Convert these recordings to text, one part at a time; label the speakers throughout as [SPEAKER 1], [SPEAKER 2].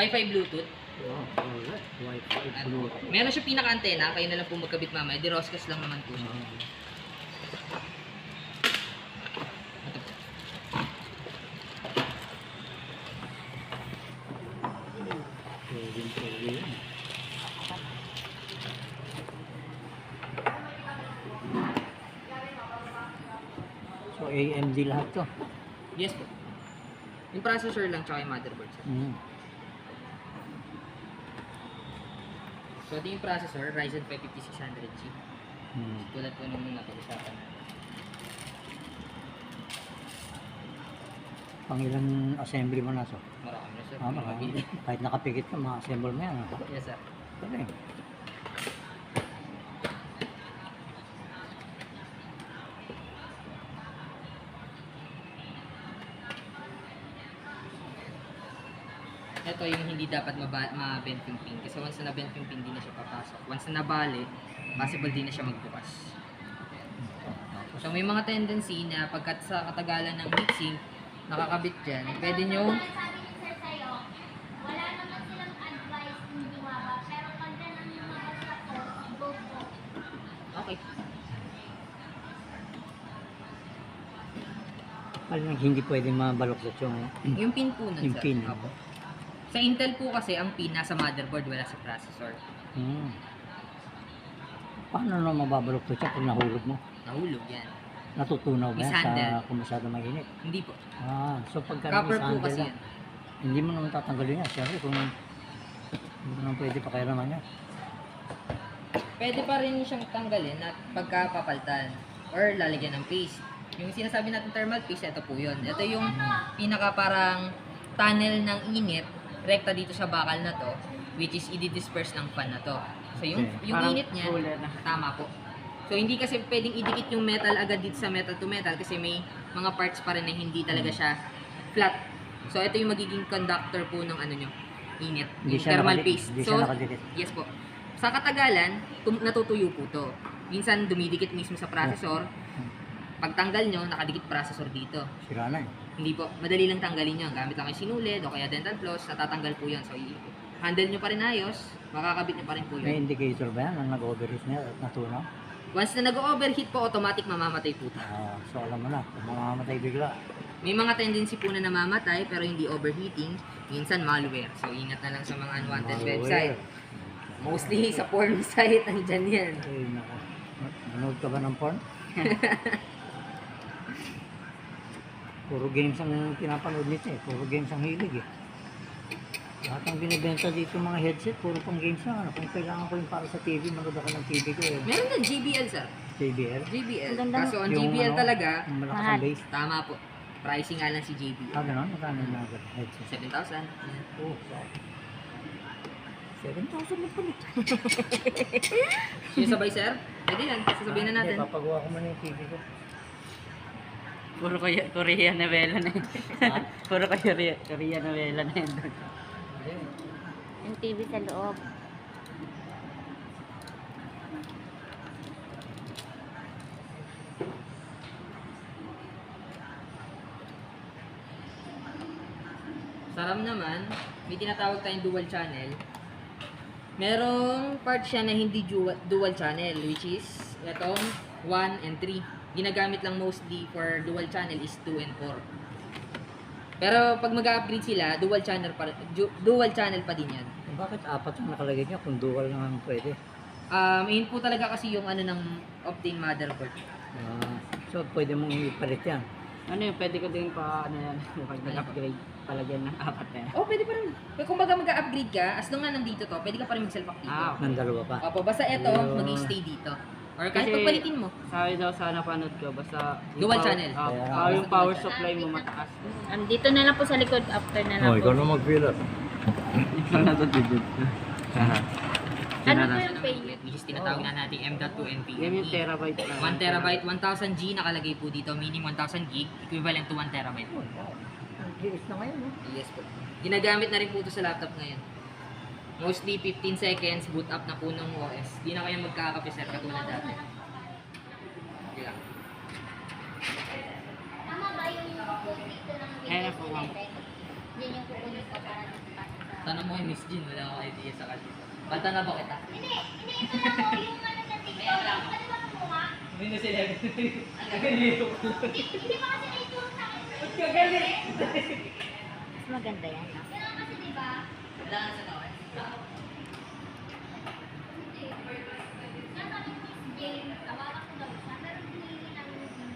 [SPEAKER 1] Wi-Fi Bluetooth.
[SPEAKER 2] Wow, alright. Wi-Fi Bluetooth.
[SPEAKER 1] Meron siya pinaka-antena, kayo na lang po magkabit mamaya. Diroscas lang naman po siya. Ito po.
[SPEAKER 2] Pwede yan. So AMD lahat to.
[SPEAKER 1] Yes po. Yung processor lang tsaka yung motherboard sir. So ito yung processor, Ryzen 5 5600G. Tulad po nung napag-usapan natin.
[SPEAKER 2] Pang ilang assembly mo na so?
[SPEAKER 1] Marami na sir.
[SPEAKER 2] Marami. Kahit nakapikit ka, ma-assemble mo yan.
[SPEAKER 1] Yes sir.
[SPEAKER 2] Galing.
[SPEAKER 1] Ito yung hindi dapat ma-bend yung pin. Kasi once na na-bend yung pin, di na siya papasok. Once na nabali, possible di na siya magbukas. So may mga tendency na pagkat sa katagalan ng heatsink, nakakabit dyan, pwede nyo
[SPEAKER 3] wala naman silang advice hindi maba, pero pag ganun yung mga sa go po.
[SPEAKER 1] okay.
[SPEAKER 2] Alam hindi pwedeng mabaluktot
[SPEAKER 1] Yung pin po nun,
[SPEAKER 2] yung
[SPEAKER 1] sir.
[SPEAKER 2] pin.
[SPEAKER 1] Opo. Sa Intel po kasi, ang pin nasa motherboard, wala sa processor.
[SPEAKER 2] Paano na mababaluktot siya pag nahulog mo?
[SPEAKER 1] Nahulog yan.
[SPEAKER 2] Natutunaw ba yan
[SPEAKER 1] Mishandle.
[SPEAKER 2] sa kung masyado mainit?
[SPEAKER 1] Hindi po.
[SPEAKER 2] So pagka
[SPEAKER 1] Copper po
[SPEAKER 2] mishandle
[SPEAKER 1] kasi
[SPEAKER 2] lang,
[SPEAKER 1] yan.
[SPEAKER 2] hindi mo naman tatanggalin yan. Siyempre kung hindi mo naman pwede pakialaman yan.
[SPEAKER 1] Pwede pa rin siyang tanggalin at pagkapapaltan or lalagyan ng paste. Yung sinasabi natin thermal paste, ito po yun. Ito yung pinaka parang tunnel ng init rekta dito sa bakal na to, which is i-disperse ng fan na to. So yung init niya, tama po. So hindi kasi pwedeng idikit yung metal agad dito sa metal to metal kasi may mga parts pa rin na hindi talaga siya flat. So ito yung magiging conductor po ng ano nyo, init,
[SPEAKER 2] Hindi
[SPEAKER 1] yung
[SPEAKER 2] siya
[SPEAKER 1] thermal
[SPEAKER 2] nakadikit.
[SPEAKER 1] paste.
[SPEAKER 2] Hindi
[SPEAKER 1] So
[SPEAKER 2] siya nakadikit.
[SPEAKER 1] yes po. Sa katagalan, natutuyo po to. Minsan dumidikit mismo sa processor. Pagtanggal nyo, nakadikit processor dito.
[SPEAKER 2] Sira na eh.
[SPEAKER 1] Hindi po, madali lang tanggalin yan. Gamit lang kayo sinulid o kaya dental floss, natatanggal po yan. So, handle nyo pa rin ayos, makakabit nyo pa rin po
[SPEAKER 2] May
[SPEAKER 1] yun.
[SPEAKER 2] indicator ba yan? Ang nag-overheat niya at natunaw?
[SPEAKER 1] Once na nag-overheat po, automatic mamamatay po ito.
[SPEAKER 2] So alam mo na, kung mamamatay bigla.
[SPEAKER 1] May mga tendency po na namamatay pero hindi overheating. Minsan malware. So, ingat na lang sa mga unwanted
[SPEAKER 2] Malware.
[SPEAKER 1] website. Mostly sa porn site, andyan yan.
[SPEAKER 2] Ay, nako. Manood ka ba ng porn? Puro games ang pinapanood nito eh. Puro games ang hilig eh. Lahat ang binibenta dito mga headset, puro pang games na. Ano, kung kailangan ko yung para sa TV, manood ako ng TV ko eh.
[SPEAKER 1] Meron din JBL, sir.
[SPEAKER 2] JBL?
[SPEAKER 1] JBL.
[SPEAKER 3] Ang ganda.
[SPEAKER 1] Kaso ang
[SPEAKER 2] Yung
[SPEAKER 1] JBL
[SPEAKER 2] ano,
[SPEAKER 1] talaga,
[SPEAKER 2] yung malakas
[SPEAKER 3] Mahal.
[SPEAKER 2] ang bass.
[SPEAKER 1] tama po. Pricing nga lang si JBL.
[SPEAKER 2] Gano'n? Magkano yung mga headset?
[SPEAKER 1] 7,000.
[SPEAKER 2] Oh, wow. 7,000 lang pala.
[SPEAKER 1] Yung sabay, sir? Pwede yan. Sasabihin na natin.
[SPEAKER 2] Hindi, papagawa ko muna yung TV ko.
[SPEAKER 4] Puro Korea novela na yun.
[SPEAKER 2] Ha?
[SPEAKER 4] Puro Korea novela na yun.
[SPEAKER 3] Yung TV sa loob.
[SPEAKER 1] Sa RAM naman, may tinatawag tayong dual channel. Merong part siya na hindi dual channel, which is itong 1 and 3. Ginagamit lang mostly for dual channel is 2 and 4. Pero pag mag-upgrade sila, dual channel pa din yan.
[SPEAKER 2] Bakit apat yung nakalagay niya kung dual naman pwede?
[SPEAKER 1] Yun po talaga kasi yung ano ng Optane motherboard.
[SPEAKER 2] So pwede mong ipalit yan.
[SPEAKER 4] Ano yun, pwede ko din pa, ano yan, pag nag-upgrade, palagyan ng apat na yan.
[SPEAKER 1] Oh, pwede pa rin. Kung baga mag-upgrade ka, as long nga nandito to, pwede ka pa rin mag-self-pack dito.
[SPEAKER 2] Ng dalawa pa.
[SPEAKER 1] Opo, basta ito,
[SPEAKER 2] Ayun.
[SPEAKER 1] mag-stay dito. Or kahit
[SPEAKER 4] Kasi-
[SPEAKER 1] pagpalitin mo.
[SPEAKER 4] Sabi daw sa napanood ko, basta...
[SPEAKER 1] Dual channel.
[SPEAKER 4] Yung power supply mo mataas.
[SPEAKER 3] Dito na lang po sa likod after na lang po.
[SPEAKER 2] na mag-fill up.
[SPEAKER 4] Ikaw na to, digit.
[SPEAKER 3] Ano po yung pay?
[SPEAKER 1] Which is tinatawag na natin M.2 NVMe.
[SPEAKER 4] Yan yung terabyte na.
[SPEAKER 1] 1 terabyte, 1000 G nakalagay po dito, meaning 1000 gig, equivalent to 1 terabyte.
[SPEAKER 2] Ang liit na ngayon, no?
[SPEAKER 1] Yes po. Ginagamit na rin po ito sa laptop ngayon. Mostly 15 seconds, boot up na po ng OS. Di na kayo magkakape sir, katulad dati. Okay lang.
[SPEAKER 3] Tama ba yung code dito ng
[SPEAKER 4] Ayan na po, ma'am.
[SPEAKER 3] Yan yung kukunin ko para dito.
[SPEAKER 1] Tanong mo kay Miss Jean, wala akong idea sa kanya. Banta na ba kita?
[SPEAKER 3] Hindi. Ito yung ano sa TikTok. Pwede ba kumuha?
[SPEAKER 1] Hindi na sila.
[SPEAKER 3] Hindi ba kasi naituro sa akin?
[SPEAKER 5] Mas maganda yan. No?
[SPEAKER 3] Ganun kasi diba?
[SPEAKER 1] Kailangan sa nawan.
[SPEAKER 3] Hindi. Nasabi ni Miss Jane, tawagan ko daw siya, pero hinihingi namin yung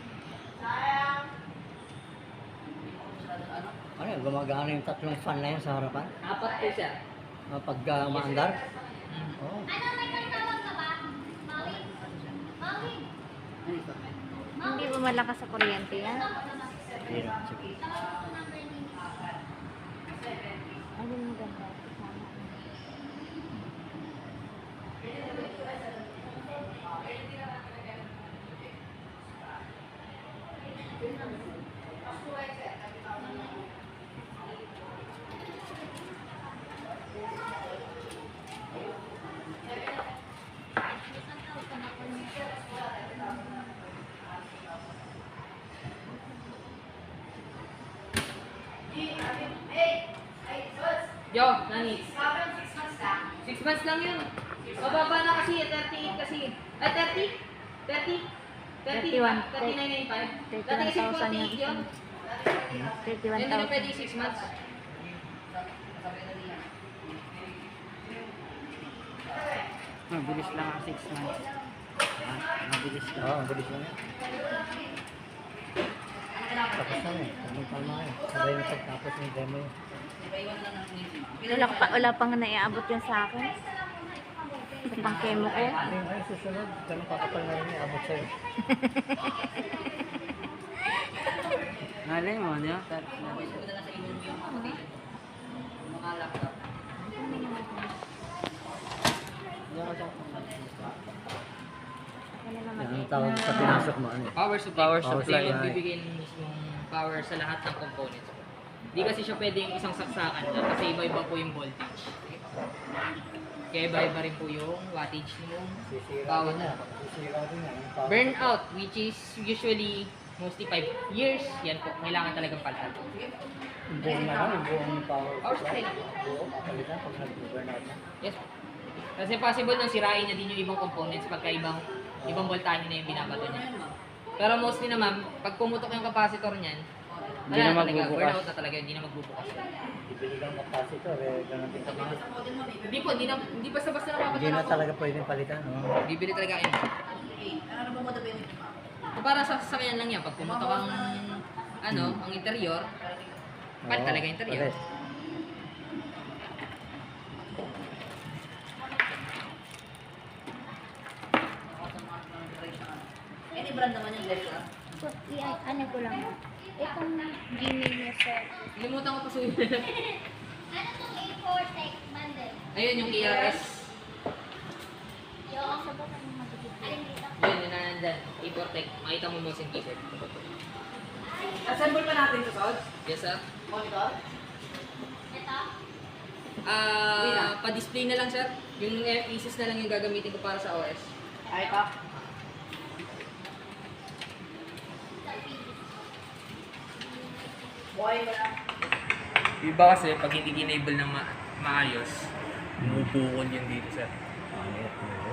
[SPEAKER 2] Ano yun, gumagana yung tatlong fan na yun sa harapan?
[SPEAKER 1] Apat po siya.
[SPEAKER 2] Pag maandar?
[SPEAKER 1] Mm.
[SPEAKER 2] Oo.
[SPEAKER 3] Ano, may tawag ka ba? Mawin? Mawin?
[SPEAKER 5] Hindi ba malakas sa kuryente yan?
[SPEAKER 2] Hindi na, sige.
[SPEAKER 3] Tawag ko number ni Miss.
[SPEAKER 5] Ayun, maganda. Sana.
[SPEAKER 1] Yo, nani? 6 months lang yun. Mababa na kasi, 38 kasi. Ay, 30? 30?
[SPEAKER 5] 31.
[SPEAKER 1] 39.95. Dati kasi
[SPEAKER 5] 31,000 yung
[SPEAKER 1] 48 yun. Hindi na
[SPEAKER 5] 31,000.
[SPEAKER 1] pwede 6 months.
[SPEAKER 4] Mabilis lang ang 6 months.
[SPEAKER 2] Mabilis lang. Oo, mabilis lang yan. Tapos na yun. Anong palma yun? Sabay na pagtapos ng demo yun.
[SPEAKER 5] Wala pang naiabot yun sa akin. Sa pang chemo ko.
[SPEAKER 2] Hindi, ay susunod. Ganun kakapal na rin yung abot sa'yo.
[SPEAKER 4] Nalay mo, di ba?
[SPEAKER 1] Mga laptop.
[SPEAKER 5] Wala naman.
[SPEAKER 2] Yan ang tawag sa pinasok mo. Ano yun?
[SPEAKER 1] Power supply.
[SPEAKER 2] Power
[SPEAKER 1] Kasi
[SPEAKER 2] supply.
[SPEAKER 1] yung bibigyan mismong power sa lahat ng components. Hindi kasi siya pwedeng isang saksakan lang kasi iba-iba po yung voltage. Kaya iba-iba rin po yung wattage ng
[SPEAKER 2] Sisira
[SPEAKER 1] bawat
[SPEAKER 2] din yan.
[SPEAKER 1] ano.
[SPEAKER 2] Sisira din yan. Yung power.
[SPEAKER 1] Burnout, which is usually mostly 5 years, yan po, kailangan talagang palitan.
[SPEAKER 2] Yung buong na lang, yung buong power
[SPEAKER 1] Power
[SPEAKER 2] supply.
[SPEAKER 1] supply.
[SPEAKER 2] Buo, kapalitan pag nag-burnout na.
[SPEAKER 1] Yes po. Kasi possible nang sirain niya din yung ibang components pagka ibang voltahe na yung binabato niya. Pero mostly naman, pag pumutok yung capacitor niyan,
[SPEAKER 4] Hindi
[SPEAKER 1] wala
[SPEAKER 4] na
[SPEAKER 1] na talaga,
[SPEAKER 4] magbubukas.
[SPEAKER 1] burnout na talaga, hindi na magbubukas.
[SPEAKER 2] Ibili kang capacitor, eh, ganun din kami.
[SPEAKER 1] Hindi po, hindi basta-basta na
[SPEAKER 2] Hindi na talaga pwedeng palitan. No?
[SPEAKER 1] Bibili talaga kayo. Para sa sasakyan lang yan, pag pumutok ang ang interior, palit
[SPEAKER 2] Oo,
[SPEAKER 1] talaga yung interior.
[SPEAKER 2] palit.
[SPEAKER 5] So, ano ko lang. Itong Gmail niya sa...
[SPEAKER 1] Limutan ko pa suyo.
[SPEAKER 3] Ano tong A4 tech bundle?
[SPEAKER 1] Ayun yung ERS.
[SPEAKER 3] Yung
[SPEAKER 5] Sa baka ng magiging.
[SPEAKER 3] alin dito?
[SPEAKER 1] Yun, yun na nandyan. Iportec. Makita mo motion keyboard.
[SPEAKER 4] Assemble pa natin ito, Sod?
[SPEAKER 1] Yes, sir.
[SPEAKER 4] Monitor?
[SPEAKER 3] Ito?
[SPEAKER 1] Pa-display na lang, sir. Yung pieces na lang yung gagamitin ko para sa OS.
[SPEAKER 4] Ay, pa.
[SPEAKER 1] Iba kasi pag hindi enable ng maayos, bumubukol yun dito, sir.
[SPEAKER 2] Ah, yeah.